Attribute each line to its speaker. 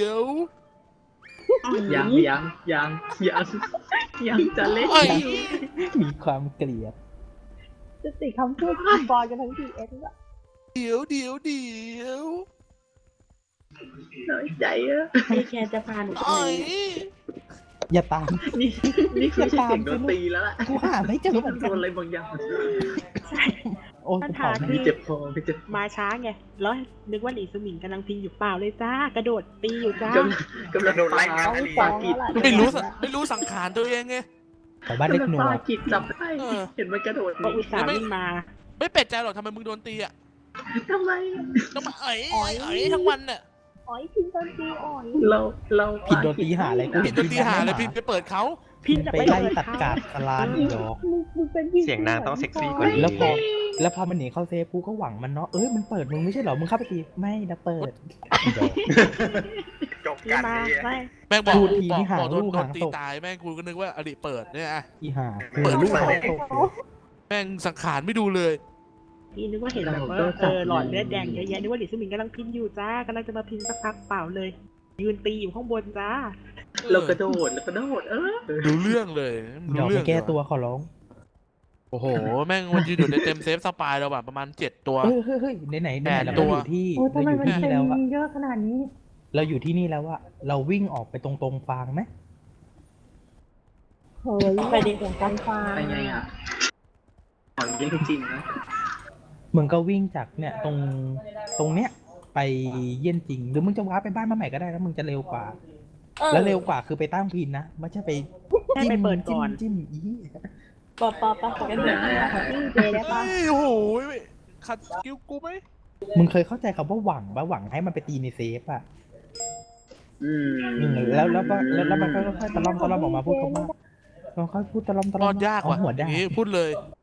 Speaker 1: ยว
Speaker 2: ยังจะเล่น
Speaker 1: ไอ้
Speaker 3: มีความเกลียด
Speaker 4: จะติดคำพูดที่บอลกันทั้งทีเอสอะ
Speaker 1: เดี๋ยว
Speaker 2: น้อยใจอะ
Speaker 5: ไอแคร์จะพาหนูไป
Speaker 1: ไอ้
Speaker 3: อย่าตาม
Speaker 2: นี่คือเสียงโดนตีแล้วล่ะ
Speaker 3: กูหาไม่เจอเหมือน
Speaker 2: โด
Speaker 3: กัน
Speaker 2: นอะไรบางอย่าง
Speaker 5: ใช่
Speaker 3: โอ้ย
Speaker 5: ปัญ
Speaker 3: กู
Speaker 5: หา
Speaker 3: เผา
Speaker 5: คื
Speaker 2: พี่
Speaker 5: อ
Speaker 2: เจ็บคอพี่เจ็บ
Speaker 5: มาช้าไงแล้วนึกว่าหลีสมิงกำลังพิงอยู่เปล่าเลยจ้ากระโดดตีอยู่จ้าก
Speaker 2: ำลังโดนไล่
Speaker 4: ต้อง
Speaker 2: ปา
Speaker 4: ฟ้อง
Speaker 2: กิด
Speaker 4: แล้วล่ะ
Speaker 1: ไม่รู้สังขารตัวเองไง
Speaker 3: แถวบ้านเล็กหนัว
Speaker 2: ปากิดจับได้
Speaker 1: เออ
Speaker 2: เห็นมันกระโดด
Speaker 5: ก็อุตส่าห์วิ่งมา
Speaker 1: ไม่เป็ดใจหรอกทำไมมึงโดนตีอ่ะ
Speaker 2: ทำไม
Speaker 1: ต้องมาทั้งวันน่ะ
Speaker 4: อ๋อยพิมพ์ตอนตีอ๋อย
Speaker 2: เรา
Speaker 3: ผิดโดนตีหาอะไรกู
Speaker 1: ผิดโดนตีหาเลยพิมไปเปิดเขา
Speaker 5: พินจะ
Speaker 3: ไป
Speaker 5: ไป
Speaker 3: ไล่
Speaker 5: เปิด
Speaker 3: ตัด
Speaker 5: เขา
Speaker 3: กาดสลานอีดอก
Speaker 4: มึงเป็นพี่
Speaker 6: เสียงนางต้องเซ็กซี่กว่านี้
Speaker 3: แล้วพอมันหนีเข้าเซฟกูก็หวังมันเนาะมันเปิดมึงไม่ใช่เหรอมึงเข้าไปตีไม่นะเปิดอีดอก
Speaker 6: จบ
Speaker 5: นี่
Speaker 6: กัน
Speaker 5: มา
Speaker 6: นี่
Speaker 5: ไม่
Speaker 1: แม่งบอก
Speaker 3: พูดทีนี่หา
Speaker 1: โดน
Speaker 3: ลูกหาง
Speaker 1: ตี
Speaker 3: ตก
Speaker 1: ตายแม่งกูก็นึกว่าอดีตเปิดเนี่ยอะ
Speaker 3: อีห่า
Speaker 1: เปิดลูก
Speaker 3: หางตก
Speaker 1: แม่งสังขารไม่ดูเลย
Speaker 5: พี่นึกว่าเห็นแบบว่าหลอดเลือดแดงเยอะแยะนึกว่าหลีสมิงกำลังพินอยู่จ้ากำลังจะมาพินสักพักเปล่าเลย ยืนตีอยู่ข้างบนจ้า
Speaker 2: เรากระโดด
Speaker 1: ดูเรื่องเลย
Speaker 3: ดอก
Speaker 1: เรื่
Speaker 3: ไม่แก้ตัวขอร้อง
Speaker 1: โอ้โหแม่งมันยืนอยู่ในเต็มเซฟสปายเราแบบประมาณ7 ตัว
Speaker 3: เฮ้ยไหน
Speaker 1: แป
Speaker 3: เรา
Speaker 1: ดตัว
Speaker 3: อยู่ที่
Speaker 4: โอ้ยทำ
Speaker 3: เรา
Speaker 4: ไม
Speaker 3: อยู่
Speaker 4: มัน
Speaker 3: ที่
Speaker 4: เป็
Speaker 3: นี่
Speaker 4: น
Speaker 3: แล้วอะ
Speaker 4: เยอะขนาดนี้
Speaker 3: เราอยู่ที่นี่แล้วอะเราวิ่งออกไปตรงฟางไหม
Speaker 4: เฮ้ยไปเด็กของการฟ้า
Speaker 2: ไปไงอ่ะอ๋อยังจริงนะ
Speaker 3: มึงก็วิ่งจากเนี่ยตรงเนี้ยไปเยี่ยนจริงหรือมึงจะว้าร์ปไปบ้านมาใหม่ก็ได้แล้วมึงจะเร็วกว่า แล้วเร็วกว่าคือไปตั้งพินนะไม่ใช่ไป
Speaker 5: ให้ไปเปิดก่อน
Speaker 3: จิ้มอี
Speaker 4: ปอกันเลยนี่เจได้ปะ
Speaker 1: เฮ้ยโอ้โหขัดสกิลกูไหม
Speaker 3: มึงเคยเข้าใจคำว่าหวังปะหวังให้มันไปตีในเซฟอะ แล้วมันก็ค่อยๆตะล่อมออกมาพูดคำว่าเราค่อยพูดตะล่อม
Speaker 1: รอดยากว่ะ
Speaker 3: เอหัว
Speaker 1: อ
Speaker 3: ได้
Speaker 1: ย่างงี้พูดเลย